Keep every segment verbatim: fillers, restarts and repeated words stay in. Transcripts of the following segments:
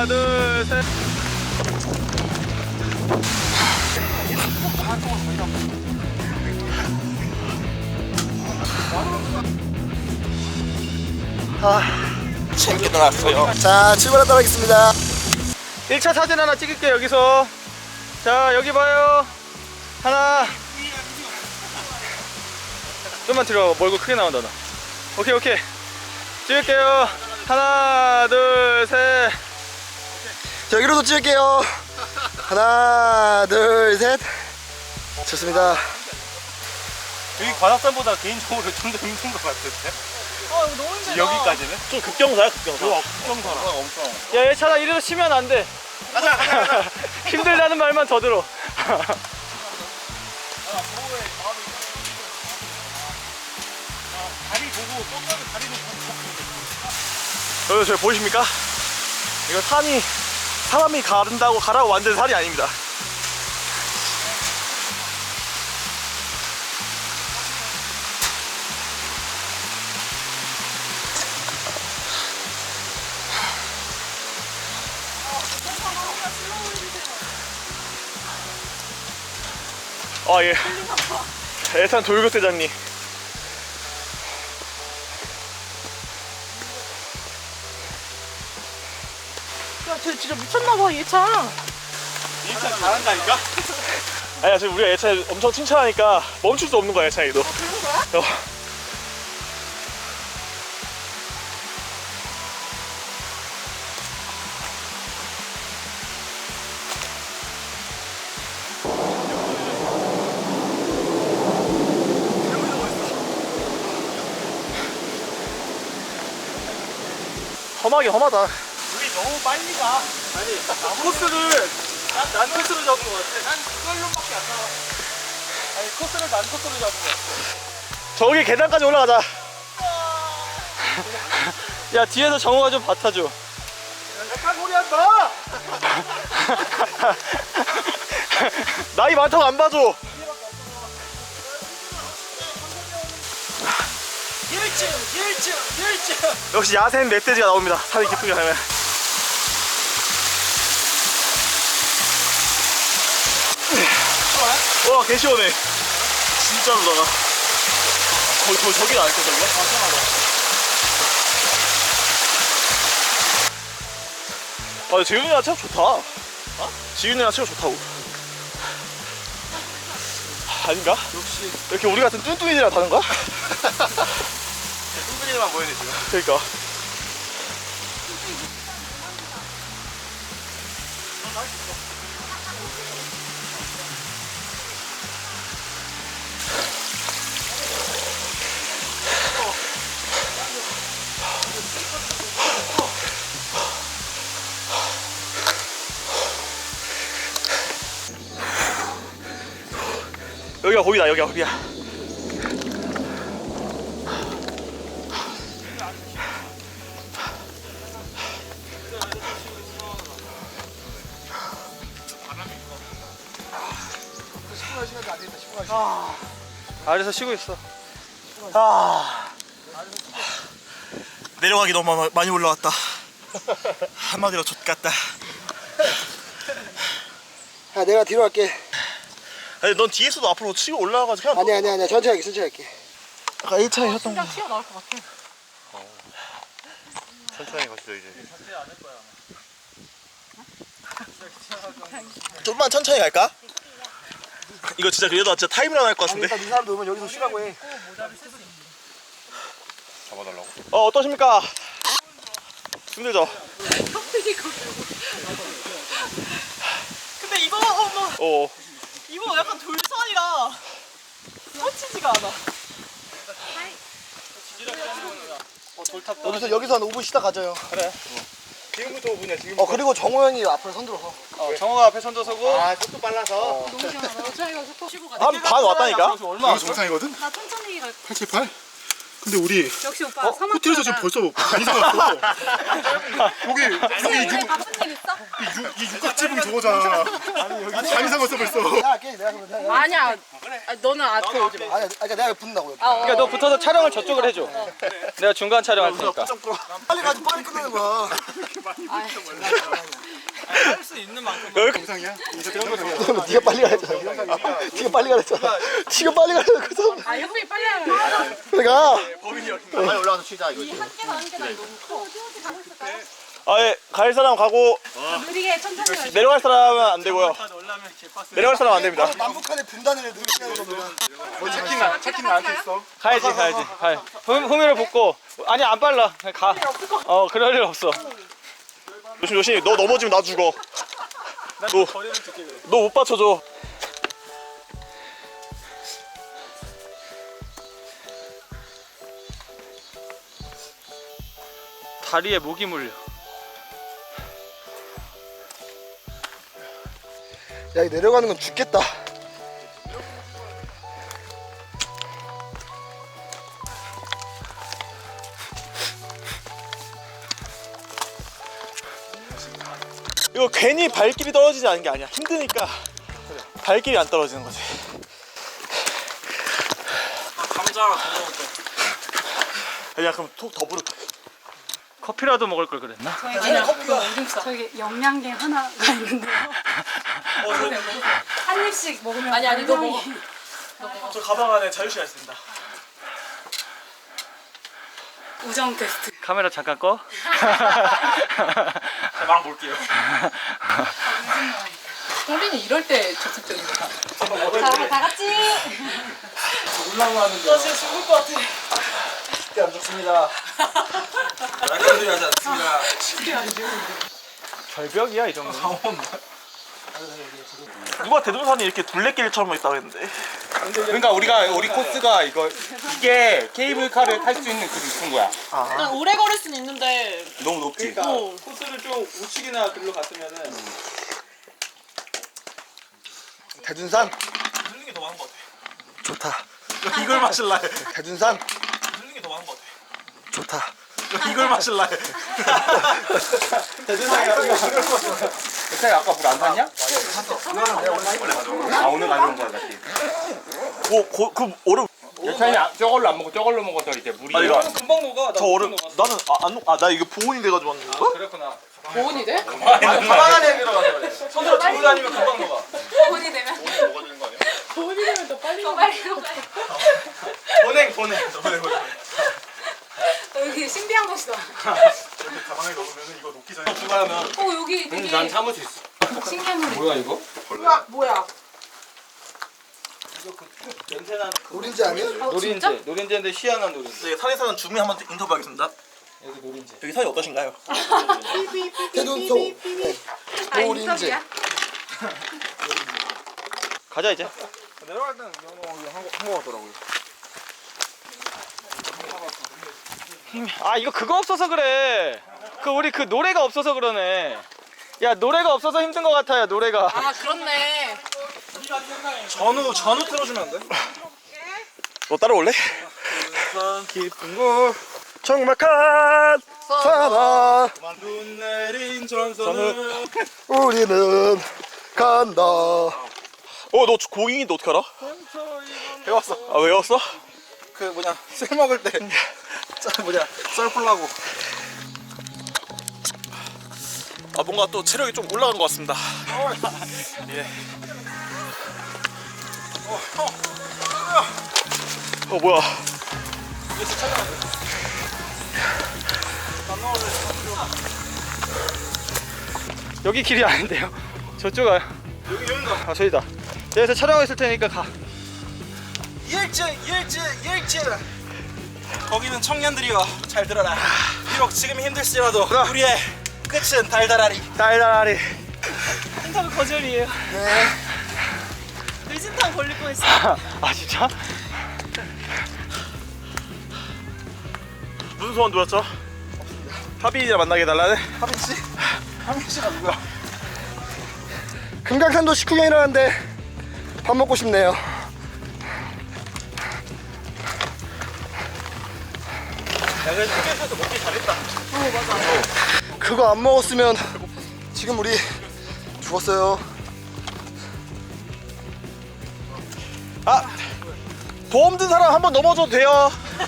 하나, 둘, 셋. 아, 챙겨 놨어요. 자, 출발하도록 하겠습니다. 일 차 사진 하나 찍을게요, 여기서. 자, 여기 봐요. 하나. 좀만 들어. 멀고 크게 나온다, 너. 오케이, 오케이. 찍을게요. 하나, 둘, 셋. 자, 여기로도 찍을게요. 하나, 둘, 셋. 좋습니다. 여기 관악산보다 개인적으로 좀 더 힘든 것 같은데? 아 이거 너무 힘들다. 여기까지는? 좀 급경사야, 급경사. 와, 국정사라. 엄청. 야, 얘 차다 이래서 쉬면 안 돼. 가자, 가자, 가자. 힘들다는 말만 더 들어. 다리 보고, 똥가는 다리도 여러분, 저기 보이십니까? 이거 산이 사람이 가른다고 가라고 만든 산이 아닙니다. 아, 예. 애산 돌격대장님. 야, 쟤 진짜 미쳤나봐, 얘 차. 일 차 잘한다니까? 아니야, 지금 우리가 예차 엄청 칭찬하니까 멈출 수 없는 거야, 예차이도. 아, 그런 거야? 어. 험하게 험하다. 우리 너무 빨리 가. 아니, 코스를, 난, 난 코스로 잡은 것 같아. 난 그걸로밖에 안 나와. 아니, 코스를 난 코스로 잡은 것 같아. 저기 계단까지 올라가자. 야, 뒤에서 정우가 좀 받아줘. 약간 소리 한다! 나이 많다고 안 봐줘. 일층, 일층, 일층! 역시 야생 멧돼지가 나옵니다. 산이 깊게 가면. 와, 개 시원해. 진짜로다가. 저, 저, 저기 나있어, 저기가? 아, 지윤이랑 체력 좋다. 어? 지윤이랑 체력 좋다고. 아닌가? 역시. 이렇게 우리 같은 뚱뚱이들이랑 다른가? 뚱뚱이만 보이네, 지금. 그러니까. 여기가 거기다, 여기가 거기야. 아, 아래서 쉬고 있어. 아, 내려가기 너무 많이 올라왔다. 한마디로 좆같다. 아, 내가 뒤로 갈게. 아니, 넌 뒤에서도 앞으로 치고 올라가가지고 그냥. 아니야, 아니야, 아니야. 천천히 할게, 천천히 할게. 아까 일 차에 했던 거. 진짜 튀어나올 것 같아. 천천히 가시죠, 이제. 좀만 천천히 갈까? 이거 진짜 그래도 진짜 타임이라 할것 아니, 같은데. 일단 이 사람도 오면 여기서 쉬라고 해. 잡아달라고? 어, 어떠십니까? 힘들죠? 근데 이거 어머 어. 이거 약간 돌산이라 뻗치지가 않아. 어, 돌탑 여기서, 여기서 한 오 분 쉬다 가져요. 그래. 지금부터 오 분이야, 지금. 어, 그리고 정호 형이 앞으로 선들어서. 어, 정호가 앞에 선져 서고. 아, 속도 빨라서. 너무 시원하다. 저희가 속도 쉬고 가. 한 반 왔다니까? 얼마? 여기 정상이거든? 나 천천히 갈. 팔 칠 팔? 근데 우리 역시 오빠 섬 호텔에서 지금 벌써 많이 사왔어. 여기 여기 오늘 육, 바쁜 일 있어? 이 육각지붕 저거잖아. 아니 많이 사왔어 벌써. 내가 할게 내가 그러면 내가 아니야. 아, 너는 앞에 오지 마. 아니 그러니까 내가 붙는다고 여기. 그러니까 너 붙어서 촬영을 저쪽을 해줘. 내가 중간 촬영할 테니까. 빨리 가지 빨리 끝내는 거야. 할 수 있는 만큼. 영상이야? 그러면 네가 빨리 가랬잖아. 네가 빨리 가랬잖아. 네가 빨리 가랬어. 아, 형님 빨리 하면. 내가 빨리 올라가서 쉬자 이거. 한 개만 한 개만 너무 커. 가고 있을까요? 아예 갈 사람 가고 느리게 천천히 가. 내려갈 사람은 안 되고요. 올라면 개빠스. 내려갈 사람 안 됩니다. 남북한의 분단을 느끼는 겁니다. 체킨 나 체킨 나한테 있어. 가야지 가야지 가야. 흠 후미를 붙고 아니 안 빨라 그냥 가. 어 그럴 일 없어. 조심 조심 너 넘어지면 나 죽어. 너 너 못 받쳐줘. 다리에 목이 물려. 야, 이 내려가는 건 죽겠다. 이거 괜히 발길이 떨어지지 않은 게 아니야. 힘드니까 발길이 안 떨어지는 거지. 감자 하나 더 먹을 거야. 야 그럼 톡 더 부를까? 커피라도 먹을 걸 그랬나? 저기 영양제 하나가 있는데요. 한 입씩 먹으면 아니 아니 너 먹어. 저 가방 안에 자유시간 있습니다. 우정 테스트. 카메라 잠깐 꺼. 막 볼게요. 우리는 이럴 때 적극적인 거다. 자, 다 같이. 올라가는데. 나 지금 죽을 것 같아. 쉽게 안 죽습니다. 약간 소리 하지 않습니다. 절벽이야 이 정도. 누가 대둔산이 이렇게 둘레길처럼 있다고 했는데. 그러니까 우리가 우리 코스가 이거 이게 케이블카를 탈 수 있는 그 높은 거야. 난 오래 걸을 수는 있는데 너무 높지. 그러니까 코스를 좀 우측이나 글로 갔으면은 대둔산 들리는 게 더 많은 것 같아. 좋다. 이걸 마실라 해. 대둔산 들리는 게 더 많은 것 같아. 좋다. 이걸 마실라 해. 그 아까 물 안 샀냐? 아 오늘 가져온 거야 다시. 뭐, 고, 그 얼음. 여차이 저걸로 안 먹고 저걸로 먹어서 이제 물이. 아니, 이거 금방 녹아. 저 얼음. 나는 아, 안, 아, 나 이거 보온이 돼가지고 왔는 건가? 그렇구나. 보온이 돼? 가방 안에 들어가서 그래. 손으로 들고 다니면 금방 녹아. 돈이 되면. 보온이 되면 더 빨리 더 빨리 더 빨리. 보냉 보냉. 보냉 보냉. 여기 신비한 곳이다. 가방에 넣으면 이거 녹기 전에 중간하면. 어 여기 되게 난 참을 수 있어. 신기한 소리. 뭐야 이거? 뭐야 뭐야? 냄새나는 노린지 아니야? 노린재. 노린재인데 희한한 노린재. 네, 산에 사는 주민 한번 인터뷰하겠습니다. 여기 노린재. 여기 산이 어떠신가요? 대둔소 아 노린지. 인터뷰야? 가자 이제. 내려갈 때는 한거 같더라고요. 아 이거 그거 없어서 그래. 그 우리 그 노래가 없어서 그러네. 야 노래가 없어서 힘든 것 같아요 노래가. 아 그렇네. 전후 전후 틀어주면 안 돼? 너 따라올래? 깊은 곳 정막한 사나 눈 내린 전선은 우리는 간다. 어, 너 고잉인데 어떻게 알아? 배웠어. 아, 외웠어? 그 뭐냐 술 먹을 때 짜 뭐냐 썰 풀라고. 아, 뭔가 또 체력이 좀 올라간 것 같습니다. 예. 어, 뭐야. 여기 길이 아닌데요. 저쪽 아. 여기 여기가. 아 저기다. 여기서 촬영하고 있을 테니까 가. 일진 일진 일진. 거기는 청년들이여 잘 들어라. 비록 지금 힘들지라도 우리의 끝은 달달하리. 달달하리. 인터뷰 거절이에요. 네. 뇌진탕 걸릴 뻔했어. 아 진짜? 무슨 소원 들었죠? 하빈이랑 만나게 해달라네? 하빈 씨? 하빈 씨가 누구야? 금강산도 식후 경이라는데 밥 먹고 싶네요. 그래도 휴게소에서 먹기 잘했다. 그거 안 먹었으면 지금 우리 죽었어요. 아 보험 든 사람 한번 넘어져도 돼요.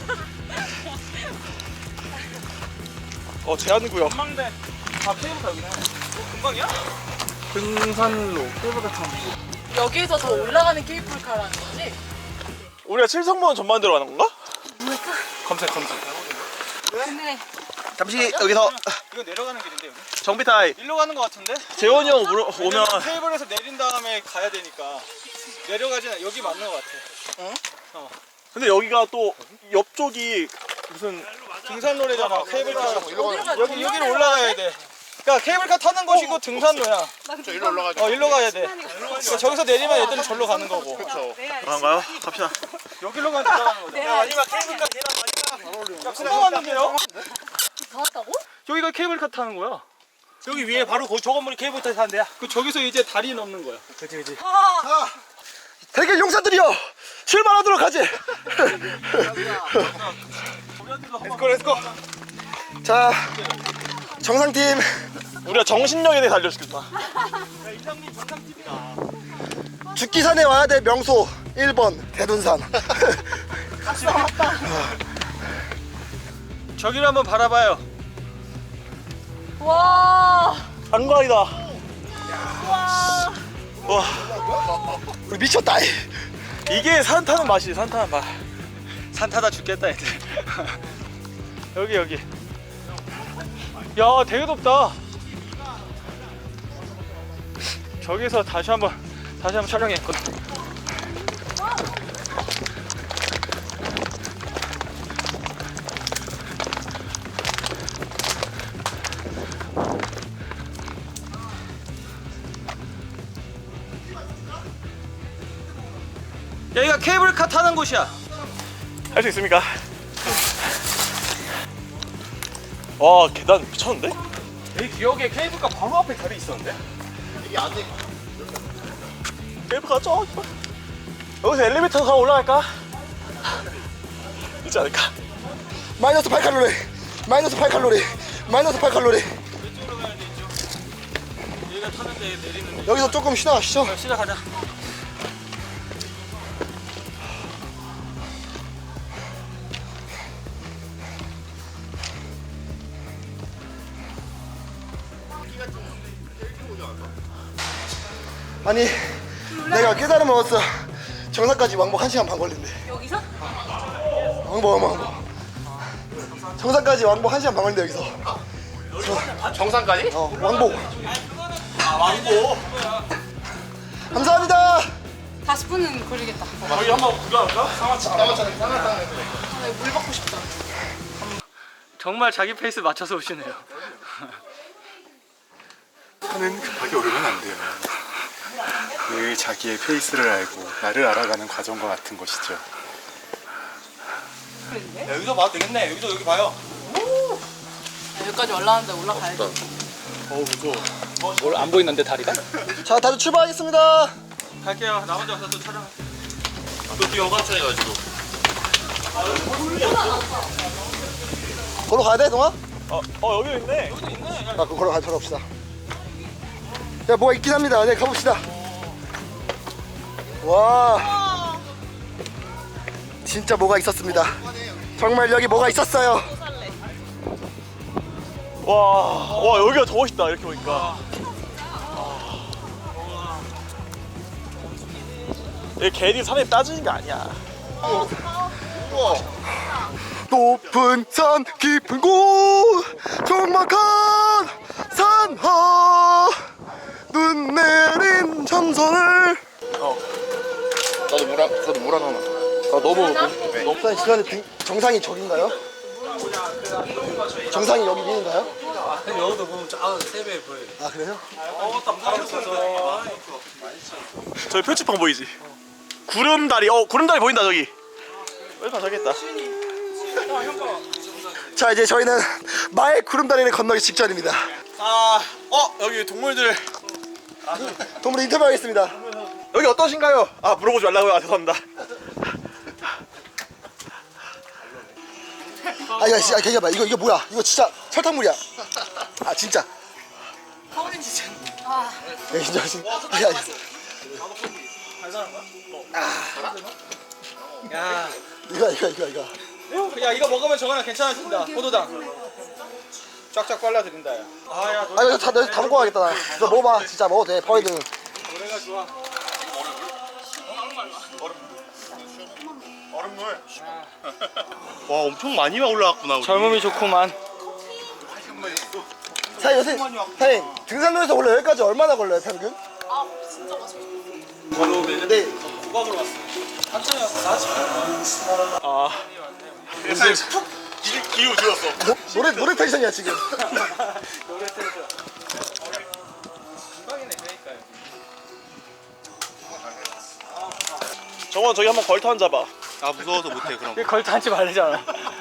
어 제한구역. 금방대. 아 케이블카 여기네. 어, 금방이야? 등산로 케이블카 타는 거. 여기서 더 올라가는 케이블카라는 거지? 우리가 칠성모원 전망대로 가는 건가? 검색 검색. 근데 잠시 여기서 이거 내려가는 길인데 여기? 정비 타임. 일로 가는 거 같은데? 재원이 형 물어, 오면 왜냐면 케이블에서 내린 다음에 가야 되니까 내려가진 않- 여기 맞는 거 같아. 근데 여기가 또 옆쪽이 무슨 등산로래잖아. 케이블카 일로 가는 여기 여기로 올라가야 돼. 그러니까 케이블카 타는 곳이고 등산로야. 저 일로 올라가. 어 일로 가야 돼. 그러니까 저기서 내리면 애들은 절로 가는 거고. 그런가요? 갑시다. 여기로 가면 올라가는 거죠. 네, 마지막 케이블카 계단 마지막. 야 금방 왔는데요? 다 왔다고? 여기가 케이블카 타는 거야. 여기 위에 바로 거, 저 건물이 케이블카 타는 데야. 그 저기서 이제 다리 넘는 거야. 그치 그치. 대결 용사들이여 출발하도록 하지. 렛츠고 렛츠고. 자 정상팀 우리가 정신력에 대해 알려주겠다. 이장님 정상팀이다. 죽기산에 와야 될 명소 일 번 대둔산. 저기를 한번 바라봐요. 와. 안광이다. 와 우리 미쳤다. 이게 산 타는 맛이 산 타는 맛. 산 타다 죽겠다 애들. 여기 여기. 야 되게 덥다. 저기서 다시 한번 다시 한번 촬영했거든. 여기가 케이블카 타는 곳이야. 할 수 있습니까? 와 계단 미쳤는데? 내 기억에 케이블카 바로 앞에 다리 있었는데? 케이블카 저 여기서 엘리베이터 타고 올라갈까? 있지 않을까? 마이너스 팔 칼로리. 마이너스 팔 칼로리. 마이너스 팔 칼로리. 이쪽으로 가야 돼 이쪽. 여기가 타는데 내리는데. 여기서 조금 쉬다 가시죠. 시작하자. 아니 내가 깨달음을 얻었어. 정상까지 왕복 한 시간 반 걸린대. 여기서? 왕복 왕복 정상까지 왕복 한 시간 반 걸린대 여기서. 정상까지? 어 왕복. 아 왕고. 감사합니다. 사십 분은 걸리겠다. 저기 한번 구경할까? 물 받고 싶다. 정말 자기 페이스 맞춰서 오시네요. 하는 급하게 오르면 안 돼요. 늘 자기의 페이스를 알고 나를 알아가는 과정과 같은 것이죠. 야, 여기서 봐도 되겠네. 여기서 여기 봐요. 여기까지 올라왔는데 올라가야지. 뭘 안 보이는데 다리가? 자 다들 출발하겠습니다. 갈게요. 나 혼자 가서 또 촬영. 또 여가차해가지고. 걸어 가야 돼 동아? 어, 어 여기 있네. 아 그럼 걸어 가 걸어갑시다. 야 뭐가 있긴 합니다. 네 가봅시다. 와 진짜 뭐가 있었습니다. 정말 여기 뭐가 있었어요. 와, 와 여기가 더 멋있다 이렇게 보니까. 이 괜히 산에 따지는 게 아니야. 높은 산 깊은 곳 적막한 산하 눈 내린 전선을. 나도 물 한, 나도 물 하나만. 아 너무 너무 시간에 등, 정상이 저긴가요? 정상이 여기 위인가요? 여기도 보면 쫙 세배 보여. 아 그래요? 저기 표지판 보이지? 구름다리. 어 구름다리 보인다 저기. 표지판 저기 있다. 자 이제 저희는 마의 구름다리를 건너기 직전입니다. 아, 어 여기 동물들. 동물 인터뷰하겠습니다. 여기 어떠신가요? 아 물어보지 말라고요. 아, 죄송합니다. 아 이거 진짜 기다려봐. 이거 이거 뭐야? 이거 진짜 설탕물이야. 아 진짜. 파워린 진짜. 야 진짜 진짜. 아, 야, 야. 야, 이거 이거 이거 이거. 야 이거 먹으면 저거랑 괜찮아진다. 포도당. 쫙쫙 빨라드린다. 야. 아, 야, 아 이거 다 내가 다 먹고 가겠다 나. 너 먹어봐. 진짜 먹어도 돼. 버리든. 노래가 좋아. 얼음물. 와 엄청 많이 올라왔구나 우리. 젊음이 좋구만. 사장님 요새 사장님 등산로에서 원래 여기까지 얼마나 걸려요 평균? 아 진짜 맛있어. 네. 국밥으로 왔어. 한참이 왔어. 사십 분. 아 세상에 푹 기- 기후 들었어. 노, 노래 노래 텐션이야 지금. 노래 틀어줘. 금방이네 그러니까요. 정원 저기 한번 걸터 앉아봐. 아 무서워서 못해 그럼. 이거 걸터 앉지 말래잖아.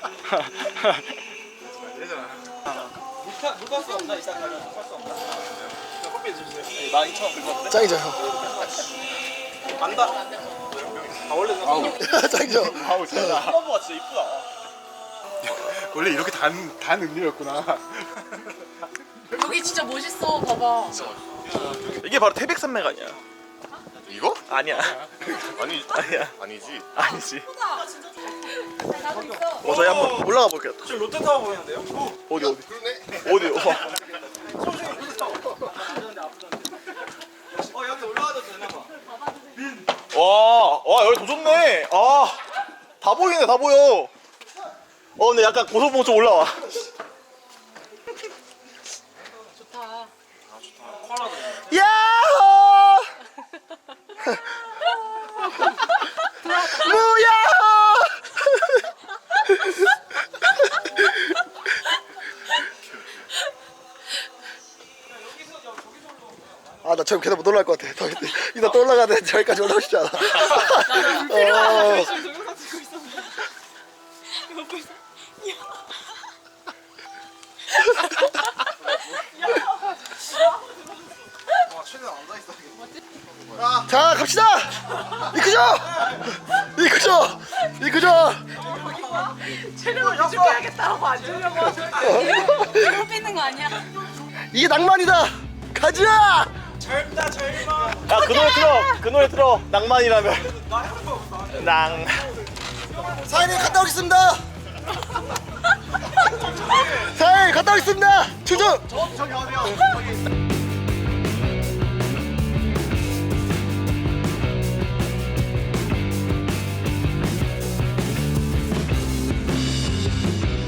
물가 물가스 없나 이따 가면 물가스 없나? 커피 해주세요. 만 이천 원 긁었대. 짱이죠 형. 만다. 아 원래 나 짱이죠. 아우 진짜. 플럼버가 진짜 이쁘다. 원래 이렇게 단, 단 음료였구나. 여기 진짜 멋있어. 봐봐. 이게 바로 태백산맥 아니야? 이거? 아니야. 아니 아니야. 아니지. 아니지. 나도 있어. 어 저희 한번 올라가 볼게요. 지금 롯데타워 보이는데요? 어디 어디? 어디? 어. 어 여기 올라가도 되나 봐. 와, 와 여기 더 좋네. 아, 다 보이네, 다 보여. 어, 근데 약간 고소봉 좀 올라와. 좋다. 야호! 무야호! 아, 나 저기 계단 못 올라갈 것 같아. 더, 이따 또 올라가야 돼. 저기까지 올라오고 싶지 않아. 어. 열심히 동영상 찍고 있었는데. 이거 벌써. 자, 갑시다! 이크죠! 이크죠! 이크죠! 체력을 부족해야겠다고 안 주려고. 이거 삐는 거 아니야? 이게 낭만이다! 가자! 젊다 젊어. 야, 그 노래 틀어. 그 노래 틀어. 낭만이라면. 낭. 사장님 갔다 오겠습니다! 사장님 갔다 오겠습니다! 충전!